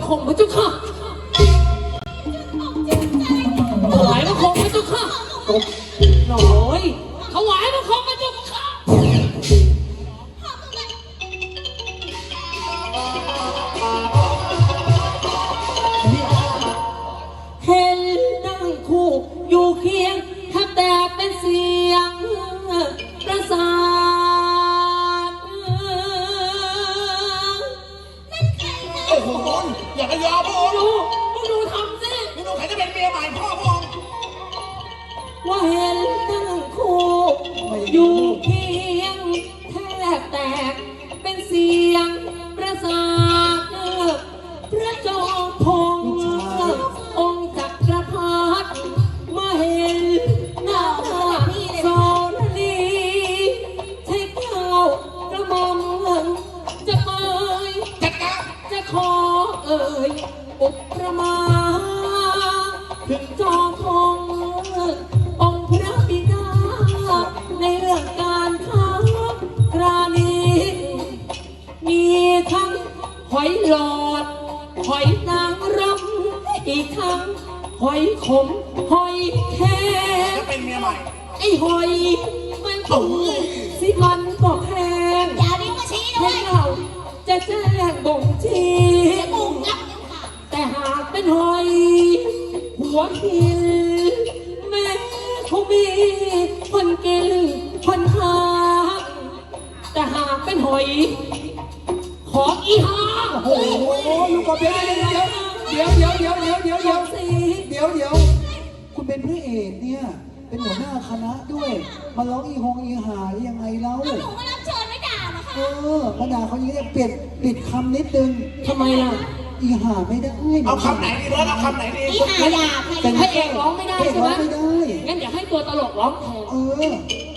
คงพระเจ้าค่ะถวายบังคมพระเจ้าค่ะหน่อยถวายบังคมพระเจ้าค่ะเห็นนั่งคู่อยู่เคียงแทบแต่เป็นเสียงประสาทโอ้โหอย่าไปยอมพระองค์ดูทำสินี่ดูใครจะเป็นเมียใหม่พ่อพระองค์ว่าเห็นนั่งคู่อยู่เคียงแทบแตกเป็นเสียงประสาทพระจอมพงษ์องค์จักรพรรดิมาเห็นหน้าโซนีใช้ข้าวกระหม่อมจะเอ่ยจะขอเอ่ยอุปมาถึงจอมพงษ์องค์พระบิดาในเรื่องการค้าครานี้มีทั้งหอยหลอดหอยนางรำอีกทั้งหอยขมหอยแครงจะเป็นเมียใหม่ไอ้หอยมันถูกสิมันก็แพงอย่าดิ้งมาชี้ด้วให้ยเราจะแจ้งบ่งชี้ปุ่มรับนิ้วค่ะแต่หากเป็นหอยหัวหินแม่คงมีคนกินคนหาแต่หากเป็นหอยของอีหาโอ้โหลูกกบเดี๋ยวคุณเป็นพระเอกเนี่ยเป็นหัวหน้าคณะด้วยมาร้องอีหงอีหายังไงเล่าหนูมารับเชิญไม่ด่าหรอคะมาด่าเขาอย่างนี้เปลี่ยนปิดคำนิดนึงทำไมล่ะอีหาไม่ได้เอาคำไหนดีเบิร์ดเอาคำไหนดีอีหาด่าใครให้เอกร้องไม่ได้ใช่ไหมไม่ได้งั้นเดี๋ยวให้ตัวตลกร้องแทน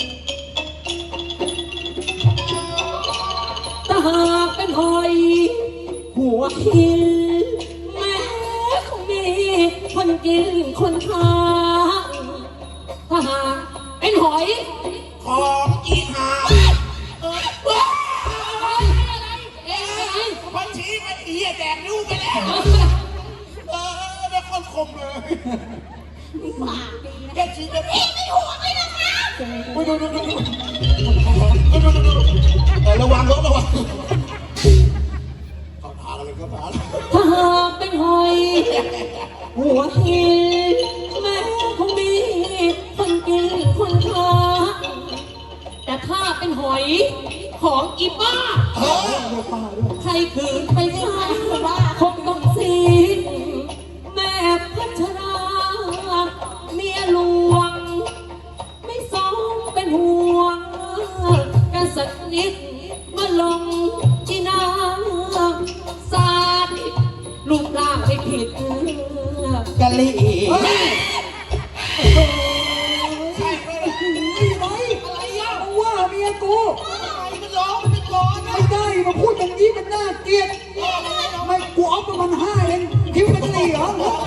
ถ้าหากเป็นหอยหัวหินแม้คงมีคนกินคนทานถ้าหากเป็นหอยของอีหาพันชี้มันอีแดกนิ้วไปแล้วได้คนคมเลยปากดีนะแค่ชี้จะพี่ไม่ห่วงเลยนะคะดูระวังรถระวังเขาพากันเลยก็พาถ้าหากเป็นหอยหัวหินแม้คงมีคนกินคนทานแต่ถ้าเป็นหอยของอีบ้าใครขืนไปฆ่าคงต้องสิ้นแม่พัชราเมียหลวงไม่สมเป็นห่วงกันสักนิดมาลงที่น้ำสาดลูกร่างไม่ผิดกะลีใช่ไหมอะไรอ่ะว่าเมียกูมันร้องมันเป็นร้อนไม่ได้มาพูดอย่างนี้มันน่าเกลียดไม่กูเอาประมาณ5เองคิ้วเป็น4เหรอ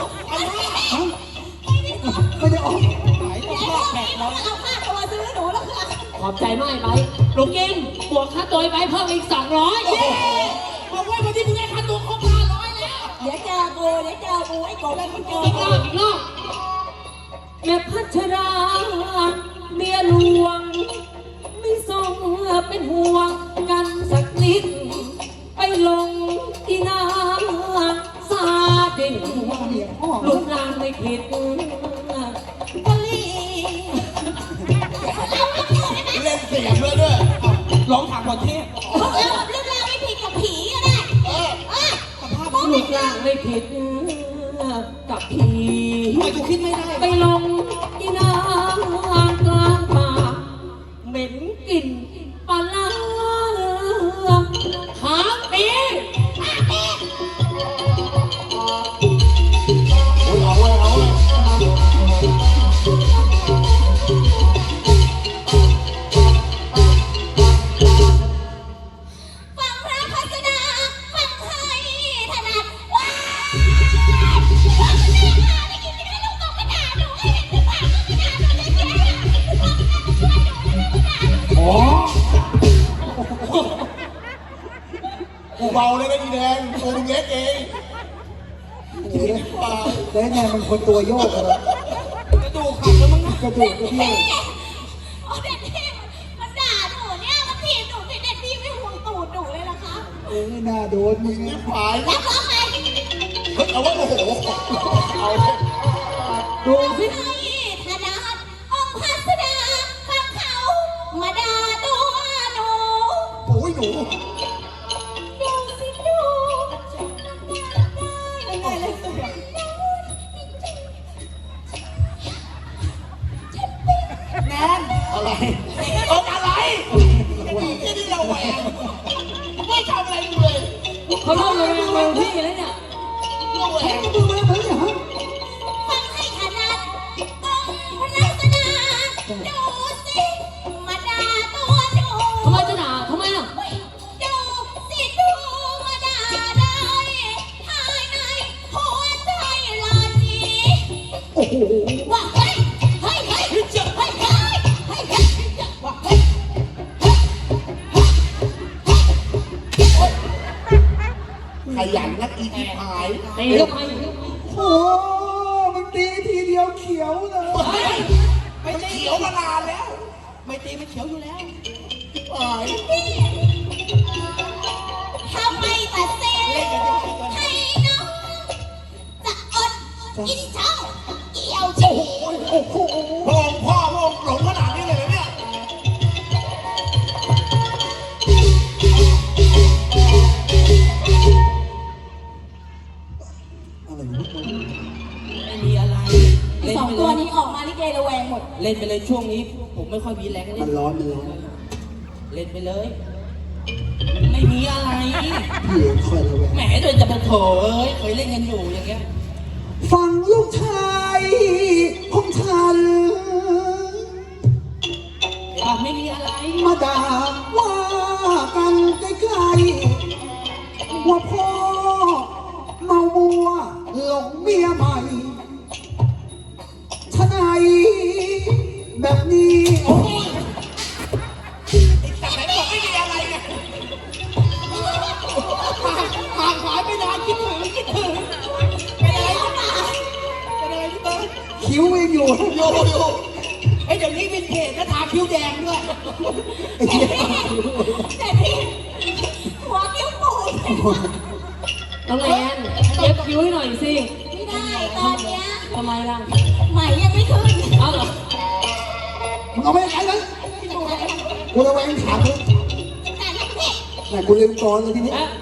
ไม่ได้ออกไหนต้องฆ่าแขกเราเอาค่าตัวซื้อหนูแล้วค่ะขอบใจมากไปลูกกินบวกค่าตัวไปเพิ่มอีก200 บอกว่าวันที่มึงได้ค่าตัวครบ500แล้วเดี๋ยวเจอกูไอ้โกได้คนเจออีกรอบแม่พัชราเมียหลวงไม่ทรงเป็นห่วงกันสักนิดไปลงที่น้ำซาดินลูกร่างไม่ผิดกะลีเล่นเสียงด้วยร้องถามก่อนเทพเรื่องราวไม่ผิดกับผีก็ได้ลูกร่างไม่ผิดกับผีไม่กูคิดไม่ได้ไปลงที่น้ำกลางป่าเหม็นกลิ่นปลาร้าหาปีเอาเลยฟังพระพัสดาฟังให้ถนัดว้าวได้ยินไม่ได้ลูกบอกไม่ด่าหนูให้เห็นหรือเปล่าไม่ด่าหนูเลยแกช่วยหนูไม่ด่าหนูอ๋อกูเบาเลยนะอีแดงตัวมึงเล็กเองเลยแล้วไงมันคนตัวโยกเหรอกระดูกหักแล้วมั้งนะกระดูกกระเดี่ยวโอ้เด็ดพี่มันด่าหนูเนี่ยมันถีบหนูเด็ดพี่ไม่ห่วงตูดหนูเลยเหรอคะน่าโดนมึงไม่นะผายแล้วร้องไงเฮ้ยเอาว่าโอ้โหเอาดูสิให้ธนาคองค์พัสดาฟังเขามาด่าตัวหนูโอ้ยหนูดูสิดูได้ยังไงเลยตัวแนนอะไรอะไรที่นี่เราแหวงไม่ทำอะไรเลยเขาเล่าเลยเมืองพี่แล้วเนี่ยเราแหวงดูมาแล้วเนี่ยฮะฟังให้ถนัดองค์พระลักษณะดูสิมาด่าตัวหนูทำไมจะด่าทำไมล่ะดูสิดูมาด่าได้ภายในหัวใจลอยจีโอ้โหว่าเฮ้ยเฮ้ยเฮ้ยเฮ้ยเฮ้ยเฮ้ยเฮ้ยเฮ้ยว่าเฮ้ยขยันนักอีกหายตีเข้าไปโอ้มันตีทีเดียวเขียวเลยไม่เขียวมานานแล้ว ไม่ตีไม่เขียวอยู่แล้วหายทำไมตัดเส้นให้น้องจะอดกินเช้าเกี่ยวชีโอ้โหพระองค์พ่อพระองค์หลงขนาดนี้เลยเหรอเนี่ยอะไรวะไม่มีอะไร เล่นสองไปตัวเลยนี้ออกมาลิเกระแวงหมดเล่นไปเลยช่วงนี้ ผมไม่ค่อยมีแรงมัเล่นนร้อนมันร้อนเล่นไปเลย ไม่มีอะไรพี่คอยระแวงแหมเดินจะมาโถเอ้ยเคยเล่นกันอยู่อย่างเงี้ยฟังลูกชายของฉันบอกไม่มีอะไรมาด่าว่ากันใกล้ๆว่าพ่อเมามัวหลงเมียใหม่ชะไหนแบบนี้โอ้ยแต่ไหนบอกไม่มีอะไรไงห่างหายไปนานคิดถึงเป็นอะไรเป็นอะไรพี่เบิร์ดคิ้วยังอยู่อยู่อยู่ไอ้เดี๋ยวนี้วินเทจก็ทาคิ้วแดงด้วยไอ้เหี้ยแต่พี่หัวกิ้วปูดน้องแอนเย็บคิ้วให้หน่อยสิไม่ได้ตอนเนี้ยทำไมล่ะไหมยังไม่ขึ้นเอ้าเหรอมึงเอาไปไหนกันกูระแวงถามเลยแต่ละพี่ไหนกูลืมกรเลยทีนี้เอ๊ะ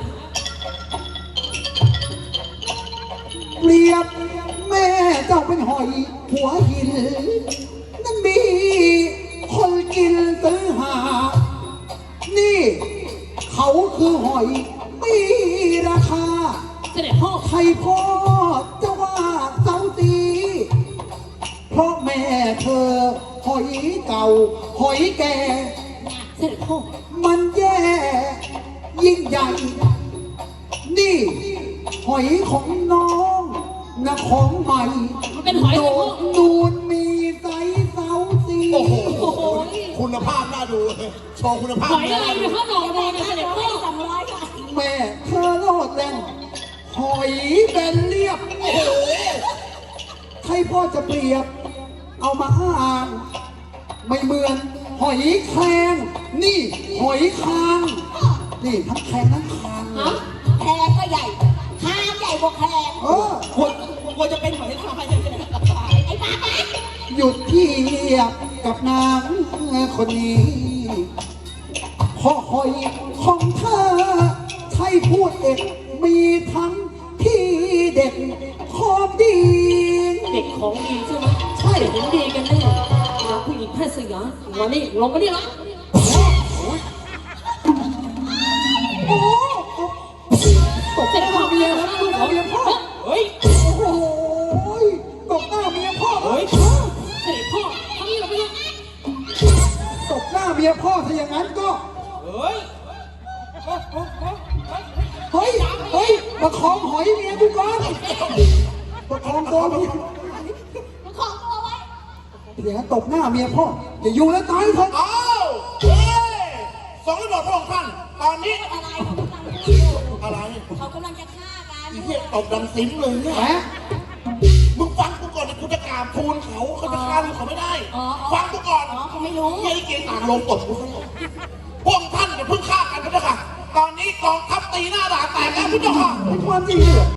เปรียบแม่เจ้าเป็นหอยหัวหินนั่นมีคนกินซื้อหา นี่ เขาคือหอยมีราคาเสด็จพ่อใครพ่อจะว่าเสาตีเพราะแม่เธอหอยเก่า หอยแก่เสด็จพ่อมันแย่ยิ่งใหญ่ นี่ หอยของน้องนะของใหม่มันเป็นหอยโดเลยพ่อดนูนมีไซส์เสาสีโอ้โหโอ้โหคุณภาพน่าดูเลยโชว์คุณภาพหอยอะไรเนี่ยพ่อหนองโดนเนี่ยเสด็จพ่อ 200 ค่ะแม่เธอโลดแรงหอยแบนเรียบโอ้โหใครพ่อจะเปรียบ เอามาอ้าง ไม่เหมือน หอยแครงนี่ หอยคาง นี่ทั้งแครงทั้งคางฮะแพงก็ใหญ่คางใหญ่กว่าแพงเออควรจะเป็นหอยทรายไอ้บ้าบ้าหยุดเทียบกับนางคนนี้เพราะหอยของเธอใช่พูดเด็กมีทั้งที่เด็กของดีเด็กของดีใช่ไหมใช่เห็นดีกันแน่หาผู้หญิงแพทย์สยามมานี่ลงมานี่ละโอ้โหตกเสร็จพ่อเมียแล้วลูกของเมียพ่อเฮ้ยโอ้โหตบหน้าเมียพ่อเฮ้ยเสด็จพ่อทำนี่เราไปเลยตบหน้าเมียพ่อถ้าอย่างนั้นก็เฮ้ยเฮ้ย เฮ้ยประคองหอยเมียกูก่อนประคองตัวเมียมันของตัวไว้อย่างนั้นตบหน้าเมียพ่ออย่าอยู่แล้วตายเถอะอ้าวเฮ้ยสองระบบพระองค์ท่าน ตอนนี้อะไรเขากำลังจะฆ่ากันอะไรเเหี้ยตบดังซิมเลยเนี่ยแหมมึงฟังกูก่อนดิกูจะกราบทูลเขาจะฆ่าลูกเขาไม่ได้อ๋อฟังกูก่อนอ๋อเขาไม่รู้เหี้ยไอ้เกณฑ์ต่างลงตบกูซะแล้วพวกท่านอย่าเพิ่งฆ่ากันนะเจ้าค่ะ ตอนนี้กองทัพตีหน้าด่านแตกแล้วพี่เจ้าค่ะเป็นความจริงเหรอ